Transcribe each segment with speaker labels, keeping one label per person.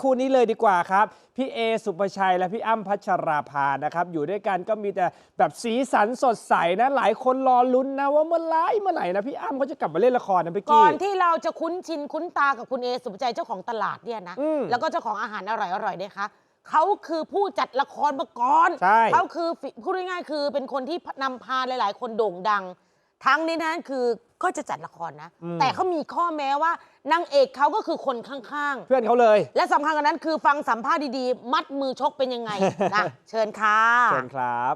Speaker 1: คู่นี้เลยดีกว่าครับพี่เอสุภชัยและพี่อ้ำพัชราภานะครับอยู่ด้วยกันก็มีแต่แบบสีสันสดใสนะหลายคนรอลุ้นนะว่าเมื่อไหร่นะพี่อ้ำเขาจะกลับมาเล่นละครนะพี่กี้
Speaker 2: ก่อนที่เราจะคุ้นชินคุ้นตากับคุณเอสุภชัยเจ้าของตลาดเนี่ยนะแล้วก็เจ้าของอาหารอร่อยๆเนี่ยคะเขาคือผู้จัดละครมาก่อนเขาคือพูดง่ายๆคือเป็นคนที่นำพาหลายๆคนโด่งดังทั้งนี้นั้นคือก็จะจัดละครนะแต่เขามีข้อแม้ว่านางเอกเขาก็คือคนข้างๆ
Speaker 1: เพื่อนเขาเลย
Speaker 2: และสำคัญกว่านั้นคือฟังสัมภาษณ์ดีๆมัดมือชกเป็นยังไงนะเชิญค่ะ
Speaker 1: เชิญครับ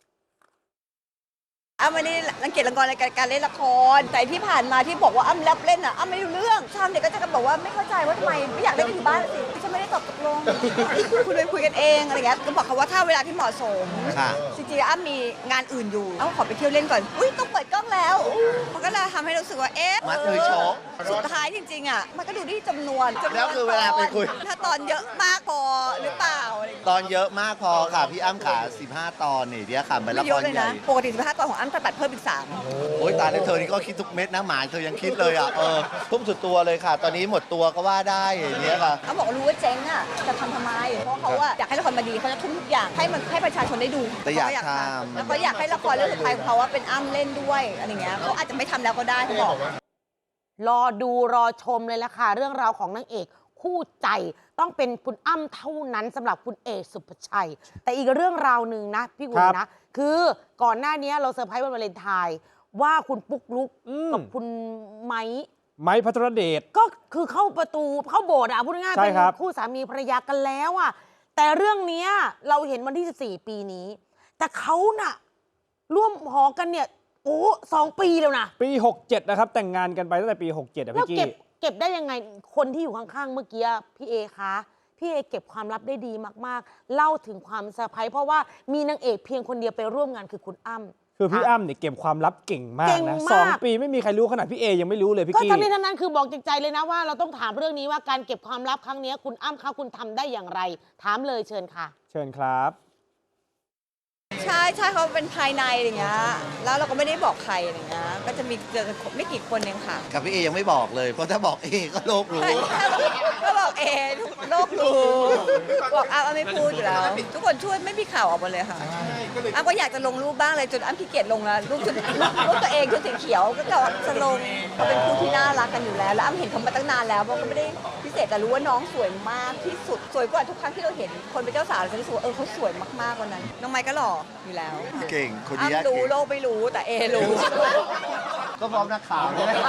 Speaker 3: อ้ำไม่ได้รังเกียจละครในการเล่นละครแต่ที่ผ่านมาที่บอกว่าอ้ำรับเล่นอ่ะอ้ำไม่รู้เรื่องชาวเน็ตก็จะบอกว่าไม่เข้าใจว่าทำไมไม่อยากเล่นกันอยู่บ้านสิฉันไม่ได้ตอบตกลงคุณไปคุยกันเองอะไรเงี้ยก็บอกเขาว่าถ้าเวลาที่เหมาะสมจริงๆอ้ำมีงานอื่นอยู่อ้ำขอไปเที่ยวเล่นก่อนอุ้ยต้องเปิดกล้องแล้วมันก็เลยทำให้รู้สึกว่าเอ๊ะ
Speaker 4: มัดมือชก
Speaker 3: สุดท้ายจริงๆอ่ะมันก็ดูที่จำนวน
Speaker 4: แล้วคือเวลาไปคุย
Speaker 3: ถ้าตอนเยอะมากพอหรือเปล่า
Speaker 4: ตอนเยอะมากพอค่ะพี่อ้ำขา15 ตอนนี่เดี๋ยวค่ะเป็นละครใหญ่
Speaker 3: ปกติ15 ตอนของอ้ำตัดเพิ่มอีก3
Speaker 4: โอ้ยตายแล้วเธอนี่ก็คิดทุกเม็ดนะหมาเธอยังคิดเลยอ่ะทุ่มสุดตัวเลยค่ะ ตอนนี้หมดตัวก็ว่าได้อย่างเงี้ยค่ะ
Speaker 3: เขาบอกรู้ว่าเจ๊งอ่ะจะทำไมเพราะเขาว่าอยากให้ละครมาดีเขาจะทุ่มทุกอย่างให้มันให้ประชาชนได้ดู
Speaker 4: แต่อยากทำ
Speaker 3: แล้วก็อยากให้ละครเรื่องสุดท้ายของเขาว่าเป็นอ้ำเล่นด้วยอะไรเงี้ยเขาอาจจะไม่ทำแล้วก็ได้เขาบอก
Speaker 2: รอดูรอชมเลยละค่ะเรื่องราวของนางเอกคู่ใจต้องเป็นคุณอ้ำเท่านั้นสำหรับคุณเอสุภชัยแต่อีกเรื่องราวหนึ่งนะพี่กุลนะคือก่อนหน้านี้เราเซอร์ไพรส์วันวาเลนไทน์ว่าคุณปุ๊กลุกกับคุณไม้
Speaker 1: พัทรเดช
Speaker 2: ก็คือเข้าประตูเข้าโบสถ์อ่ะพูดง่ายๆเป็นคู่สามีภรรยากันแล้วอ่ะแต่เรื่องนี้เราเห็นวันที่14ปีนี้แต่เขาน่ะร่วมหอกันเนี่ยโอ้2 ปีแล้วนะ
Speaker 1: ปี67นะครับแต่งงานกันไปตั้งแต่ปี67อ่ะพี่กี้
Speaker 2: เก็บได้ยังไงคนที่อยู่ข้างๆเมื่อกี้พี่เอคะพี่เอเก็บความลับได้ดีมากๆเล่าถึงความเซอร์ไพรส์เพราะว่ามีนางเอกเพียงคนเดียวไปร่วมงานคือคุณอ้ำ
Speaker 1: คือพี่อ้ำเนี่ยเก็บความลับเก่งมากนะ2 ปีไม่มีใครรู้ขนาดพี่เอยังไม่รู้เลยพี่กี้
Speaker 2: ก็ทั้งนี้ทั้งนั้นคือบอกใจเลยนะว่าเราต้องถามเรื่องนี้ว่าการเก็บความลับครั้งนี้คุณอ้ำคะคุณทำได้อย่างไรถามเลยเชิญค่ะ
Speaker 1: เชิญครับ
Speaker 3: ใช่เขาเป็นภายในอย่างเงี้ยแล้วเราก็ไม่ได้บอกใครอย่างเงี้ยก็จะมีเจอกันไม่กี่คนเองค่ะ
Speaker 4: กับพี่เอยังไม่บอกเลยเพราะถ้าบอกเอก็โลกรู้
Speaker 3: ก็บอกเอโลกรู้บอกอ้ำไม่พูดอยู่แล้วทุกคนช่วยไม่มีข่าวออกมาเลยค่ะอ้ำก็อยากจะลงรูปบ้างเลยจนอ้ำขี้เกียจลงแล้วรูปตัวเองชุดสีเขียวก็จะลงเขาเป็นคู่ที่น่ารักกันอยู่แล้วอ้ำเห็นเขามาตั้งนานแล้วเพราะก็ไม่ได้พิเศษแต่รู้ว่าน้องสวยมากที่สุดสวยกว่าทุกครั้งที่เราเห็นคนเป็นเจ้าสาวเราจะรู้สึกว่าเขาสวยมากๆวันนั้นน้องไมค์ก็หล่ออยู่แล้ว
Speaker 4: เก่งคนนี้
Speaker 3: รู้โลกไม่รู้แต่เอรู้
Speaker 4: ก็พร้อมนักข่าวนี่แหละ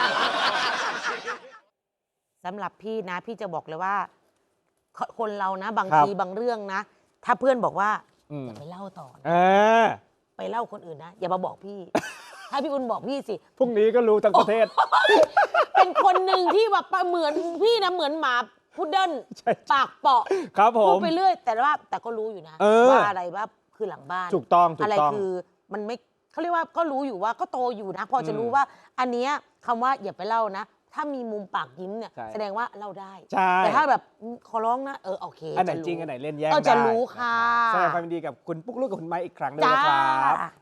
Speaker 2: สำหรับพี่นะพี่จะบอกเลยว่าคนเรานะบางทีบางเรื่องนะถ้าเพื่อนบอกว่าอย่าไปเล่าต่อไปเล่าคนอื่นนะอย่ามาบอกพี่ถ้าพี่อุ่นบอกพี่สิ
Speaker 1: พรุ่งนี้ก็รู้ทั้งประเทศ
Speaker 2: เป็นคนหนึ่งที่แบบเหมือนพี่นะเหมือนหมาพุดเดิ้ลปากเปาะพูดไปเรื่อยแต่ก็รู้อยู่นะว่าอะไรว่าคือหลังบ้าน
Speaker 1: ถูกต้อง
Speaker 2: อะไรคือมันไม่เขาเรียกว่าก็รู้อยู่ว่าก็โตอยู่นะพอจะรู้ว่าอันเนี้ยคำว่าอย่าไปเล่านะถ้ามีมุมปากยิ้มเนี่ยแสดงว่าเล่าได้แต่ถ้าแบบขอร้องนะโอเค
Speaker 1: อันไหนจริงอันไหนเล่นแย่งได้
Speaker 2: จะรู้ค่ะ
Speaker 1: แสดงความยินดีกับคุณปุ๊กลุกกับคุณไม้อีกครั้งด้วยนะครับ